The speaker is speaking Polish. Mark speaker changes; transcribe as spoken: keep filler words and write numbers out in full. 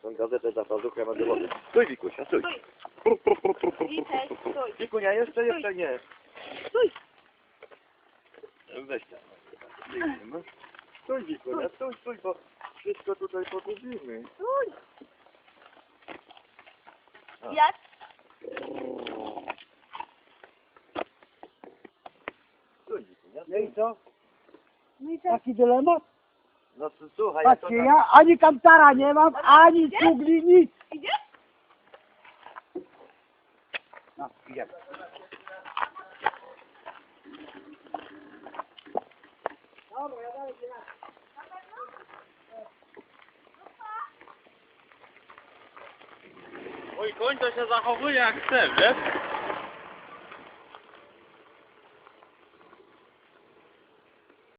Speaker 1: tą gazetę za pazuchę na dowody. Stój, Wikusia, stój.
Speaker 2: Witaj, stój.
Speaker 1: Wikunia, jeszcze, jeszcze nie.
Speaker 2: Stój.
Speaker 1: Weź tam. No. Stój, Wikunia, stój, stój, bo wszystko tutaj pogubimy.
Speaker 2: Stój.
Speaker 1: A.
Speaker 2: Jak?
Speaker 1: Stój, Wikunia.
Speaker 3: No i co?
Speaker 2: No i tak.
Speaker 3: Taki dylemat?
Speaker 1: No to słuchaj, ja to
Speaker 3: Patrzcie,
Speaker 1: tam...
Speaker 3: ja ani kantara nie mam, ani cugli, nic.
Speaker 2: Idziesz?
Speaker 3: No, idziemy.
Speaker 4: Mój koń to się zachowuje jak chce, wiesz?